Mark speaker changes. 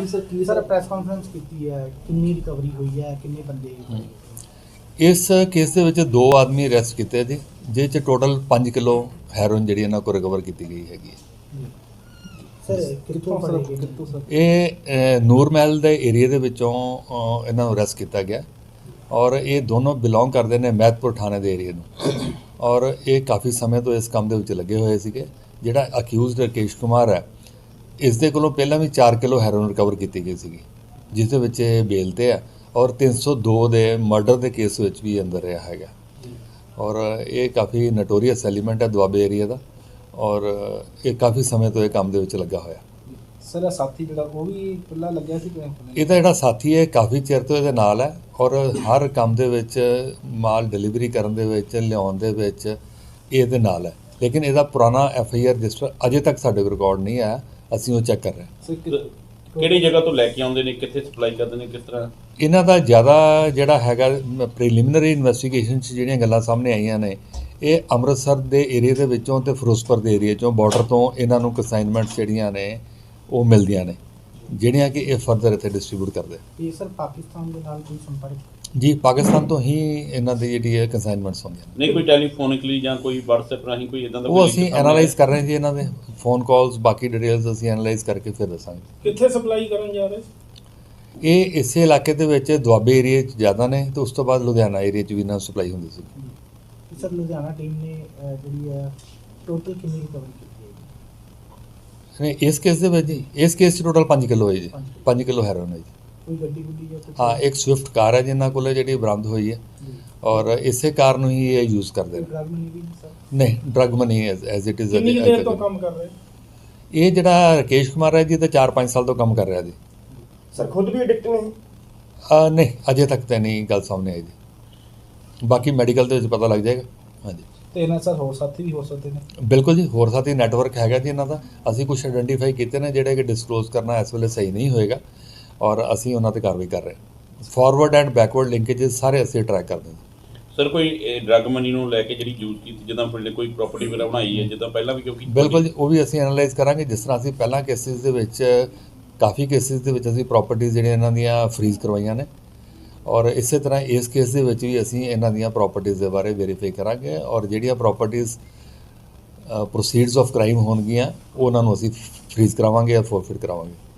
Speaker 1: Sir press conference की है, कितनी रिकवरी हुई है, कितने बंदे?
Speaker 2: इस केस ਦੇ ਵਿੱਚ 2 ਆਦਮੀ ਅਰੈਸਟ ਕੀਤੇ ਜੀ, ਜਿਹ 'ਚ ਟੋਟਲ 5 ਕਿਲੋ ਹੈਰੋਇਨ ਜਿਹੜੀ ਇਹਨਾਂ ਕੋਲ ਰਿਕਵਰ ਕੀਤੀ ਗਈ ਹੈਗੀ ਹੈ।
Speaker 1: सर कितों सर
Speaker 2: ਇਹ ਨੂਰ ਮਹਿਲ ਦੇ ਏਰੀਆ ਦੇ ਵਿੱਚੋਂ ਇਹਨਾਂ ਨੂੰ ਅਰੈਸਟ ਕੀਤਾ ਗਿਆ ਔਰ ਇਹ ਦੋਨੋਂ ਬਿਲੋਂਗ ਕਰਦੇ ਨੇ ਮਹਿਤਪੁਰ ਥਾਣੇ ਦੇ ਏਰੀਆ ਨੂੰ ਔਰ ਇਹ ਕਾਫੀ ਸਮੇਂ ਤੋਂ ਇਸ ਕੰਮ ਦੇ ਵਿੱਚ ਲੱਗੇ ਹੋਏ ਸੀਗੇ। ਜਿਹੜਾ ਅਕਿਊਜ਼ਡ ਰਕੇਸ਼ ਕੁਮਾਰ ਹੈ, ਇਸ ਦੇ ਕੋਲੋਂ ਪਹਿਲਾਂ ਵੀ 4 ਕਿਲੋ ਹੈਰੋਇਨ ਰਿਕਵਰ ਕੀਤੀ ਗਈ ਸੀਗੀ, ਜਿਸ ਦੇ ਵਿੱਚ ਇਹ ਬੇਲ ਤੇ ਹੈ ਔਰ 302 ਦੇ ਮਰਡਰ ਦੇ ਕੇਸ ਵਿੱਚ ਵੀ ਅੰਦਰ ਰਿਹਾ ਹੈਗਾ ਔਰ ਇਹ ਕਾਫੀ ਨਟੋਰੀਅਸ ਐਲੀਮੈਂਟ ਹੈ ਦੁਆਬੇ ਏਰੀਆ ਦਾ ਔਰ ਇਹ ਕਾਫੀ ਸਮੇਂ ਤੋਂ ਇਹ ਕੰਮ ਦੇ ਵਿੱਚ ਲੱਗਾ ਹੋਇਆ।
Speaker 1: सर साथी जो वो भी पहला लग्या सी
Speaker 2: ਇਹਦਾ ਜਿਹੜਾ ਸਾਥੀ ਹੈ ਕਾਫੀ ਚਿਰ ਤੋਂ ਇਹਦੇ ਨਾਲ ਹੈ ਔਰ ਹਰ ਕੰਮ ਦੇ ਵਿੱਚ ਮਾਲ ਡਿਲੀਵਰੀ ਕਰਨ ਦੇ ਵਿੱਚ ਲਿਆਉਣ ਦੇ ਵਿੱਚ ਇਹਦੇ ਨਾਲ ਹੈ, ਲੇਕਿਨ ਇਹਦਾ ਪੁਰਾਣਾ FIR ਰਜਿਸਟਰ ਅਜੇ ਤੱਕ ਸਾਡੇ ਕੋਲ ਰਿਕਾਰਡ ਨਹੀਂ ਆਇਆ, ਅਸੀਂ ਉਹ ਚੈੱਕ ਕਰ ਰਹੇ ਹਾਂ।
Speaker 3: ਕਿਹੜੀ ਜਗ੍ਹਾ ਤੋਂ ਲੈ ਕੇ ਆਉਂਦੇ ਨੇ, ਕਿੱਥੇ ਸਪਲਾਈ ਕਰਦੇ ਨੇ, ਕਿਸ ਤਰ੍ਹਾਂ?
Speaker 2: ਇਹਨਾਂ ਦਾ ਜ਼ਿਆਦਾ ਜਿਹੜਾ ਹੈਗਾ ਪ੍ਰੀਲਿਮਿਨਰੀ ਇਨਵੈਸਟੀਗੇਸ਼ਨ 'ਚ ਜਿਹੜੀਆਂ ਗੱਲਾਂ ਸਾਹਮਣੇ ਆਈਆਂ ਨੇ, ਇਹ ਅੰਮ੍ਰਿਤਸਰ ਦੇ ਏਰੀਆ ਦੇ ਵਿੱਚੋਂ ਤੇ ਫਿਰੋਜ਼ਪੁਰ ਦੇ ਏਰੀਆ 'ਚੋਂ ਬਾਰਡਰ ਤੋਂ ਇਹਨਾਂ ਨੂੰ ਕੰਸਾਈਨਮੈਂਟਸ ਜਿਹੜੀਆਂ ਨੇ ਉਹ ਮਿਲਦੀਆਂ ਨੇ, ਜਿਹੜੀਆਂ ਕਿ ਇਹ ਫਰਦਰ ਇੱਥੇ ਡਿਸਟ੍ਰੀਬਿਊਟ ਕਰਦੇ।
Speaker 1: ये सर पाकिस्तान के नाल कोई संपर्क?
Speaker 2: ਜੀ ਪਾਕਿਸਤਾਨ ਤੋਂ ਹੀ ਇਹਨਾਂ ਦੀ ਜਿਹੜੀ ਹੈ ਕੰਸਾਈਨਮੈਂਟਸ ਹੁੰਦੀਆਂ ਨੇ।
Speaker 3: ਨਹੀਂ ਕੋਈ ਟੈਲੀਫੋਨਿਕਲੀ ਜਾਂ ਕੋਈ WhatsApp ਰਾਹੀਂ ਕੋਈ ਇਦਾਂ ਦਾ
Speaker 2: ਉਹ ਅਸੀਂ ਐਨਾਲਾਈਜ਼ ਕਰ ਰਹੇ ਹਾਂ ਜੀ, ਇਹਨਾਂ ਦੇ ਫੋਨ ਕਾਲਸ ਬਾਕੀ ਡਿਟੇਲਸ ਅਸੀਂ ਐਨਾਲਾਈਜ਼ ਕਰਕੇ ਫਿਰ ਦੱਸਾਂਗੇ।
Speaker 1: कितने सप्लाई करन जा रहे?
Speaker 2: ਇਹ ਇਸੇ ਇਲਾਕੇ ਦੇ ਵਿੱਚ ਦੁਆਬੇ ਏਰੀਆ 'ਚ ਜ਼ਿਆਦਾ ਨੇ ਤੇ ਉਸ ਤੋਂ ਬਾਅਦ ਲੁਧਿਆਣਾ ਏਰੀਆ 'ਚ ਵੀ ਇਹਨਾਂ ਨੂੰ ਸਪਲਾਈ ਹੁੰਦੀ ਸੀ।
Speaker 1: सर लुधियाना टीम ने जी है टोटल कितनी रिकवरी की है?
Speaker 2: ਨਹੀਂ ਇਸ ਕੇਸ ਦੇ ਵਿੱਚ ਜੀ, ਇਸ ਕੇਸ 'ਚ ਟੋਟਲ 5 ਕਿਲੋ ਹੈ ਜੀ, 5 ਕਿਲੋ ਹੈਰੋਇਨ ਹੈ ਜੀ।
Speaker 1: कोई गड्डी गुड्डी या कुछ?
Speaker 2: ਹਾਂ ਇੱਕ ਸਵਿਫਟ ਕਾਰ ਹੈ ਜਿਨ੍ਹਾਂ ਕੋਲ ਜਿਹੜੀ ਬਰਾਮਦ ਹੋਈ ਹੈ ਔਰ ਇਸੇ ਕਾਰ ਨੂੰ ਹੀ ਇਹ ਯੂਜ਼ ਕਰਦੇ ਨੇ।
Speaker 1: ड्रग मनी भी सर?
Speaker 2: ਨਹੀਂ drug money as it is.
Speaker 1: कितनी देर तो काम कर रहे हैं?
Speaker 2: ਇਹ ਜਿਹੜਾ ਰਕੇਸ਼ ਕੁਮਾਰ ਹੈ ਜੀ ਤਾਂ 4-5 ਸਾਲ ਤੋਂ ਕੰਮ ਕਰ ਰਿਹਾ ਜੀ।
Speaker 1: सर खुद भी एडिक्ट नहीं?
Speaker 2: ਨਹੀਂ ਅਜੇ ਤੱਕ ਤਾਂ ਨਹੀਂ ਗੱਲ ਸਾਹਮਣੇ ਆਈ ਜੀ, ਬਾਕੀ ਮੈਡੀਕਲ ਦੇ ਵਿੱਚ ਪਤਾ ਲੱਗ ਜਾਏਗਾ। ਹਾਂਜੀ
Speaker 1: ਤੇ ਇਹਨਾਂ ਸਰ ਹੋਰ ਸਾਥੀ ਵੀ ਹੋ ਸਕਦੇ ਨੇ?
Speaker 2: ਬਿਲਕੁਲ ਜੀ, ਹੋਰ ਸਾਥੀ ਨੈਟਵਰਕ ਹੈਗਾ ਜੀ ਇਹਨਾਂ ਦਾ। ਅਸੀਂ ਕੁਝ ਆਇਡੈਂਟੀਫਾਈ ਕੀਤੇ ਨੇ ਜਿਹੜੇ ਕਿ ਡਿਸਕਲੋਜ਼ ਕਰਨਾ ਇਸ ਵੇਲੇ ਸਹੀ ਨਹੀਂ ਹੋਏਗਾ ਔਰ ਅਸੀਂ ਉਹਨਾਂ 'ਤੇ ਕਾਰਵਾਈ ਕਰ ਰਹੇ ਹਾਂ। ਫਾਰਵਰਡ ਐਂਡ ਬੈਕਵਰਡ ਲਿੰਕੇजेस ਸਾਰੇ ਅਸੀਂ ਟਰੈਕ ਕਰਦੇ ਹਾਂ।
Speaker 3: ਸਰ ਕੋਈ ਡਰੱਗ ਮਨੀ ਨੂੰ ਲੈ ਕੇ ਜਿਹੜੀ ਯੂਜ਼ ਕੀਤੀ, ਜਿੱਦਾਂ ਪਿੰਡ ਕੋਈ ਪ੍ਰਾਪਰਟੀ ਵਗੈਰਾ ਬਣਾਈ ਹੈ ਜਿੱਦਾਂ ਪਹਿਲਾਂ ਵੀ ਕਿਉਂਕਿ
Speaker 2: ਬਿਲਕੁਲ ਜੀ, ਉਹ ਵੀ ਅਸੀਂ ਐਨਾਲਾਈਜ਼ ਕਰਾਂਗੇ। ਜਿਸ ਤਰ੍ਹਾਂ ਅਸੀਂ ਪਹਿਲਾਂ ਕੇਸਿਸ ਦੇ ਵਿੱਚ ਕਾਫੀ ਕੇਸਿਸ ਦੇ ਵਿੱਚ ਅਸੀਂ ਪ੍ਰਾਪਰਟੀਆਂ ਜਿਹੜੀਆਂ ਇਹਨਾਂ ਦੀਆਂ ਫਰੀਜ਼ ਕਰਵਾਈਆਂ ਨੇ ਔਰ ਇਸੇ ਤਰ੍ਹਾਂ ਇਸ ਕੇਸ ਦੇ ਵਿੱਚ ਵੀ ਅਸੀਂ ਇਹਨਾਂ ਦੀਆਂ ਪ੍ਰਾਪਰਟੀਆਂ ਦੇ ਬਾਰੇ ਵੈਰੀਫਾਈ ਕਰਾਂਗੇ ਔਰ ਜਿਹੜੀਆਂ ਪ੍ਰਾਪਰਟੀਆਂ ਪ੍ਰੋਸੀਡਸ ਆਫ ਕ੍ਰਾਈਮ ਹੋਣਗੀਆਂ ਉਹਨਾਂ ਨੂੰ ਅਸੀਂ ਫਰੀਜ਼ ਕਰਾਵਾਂਗੇ ਜਾਂ ਫੋਰਫਿਟ ਕਰਾਵਾਂਗੇ।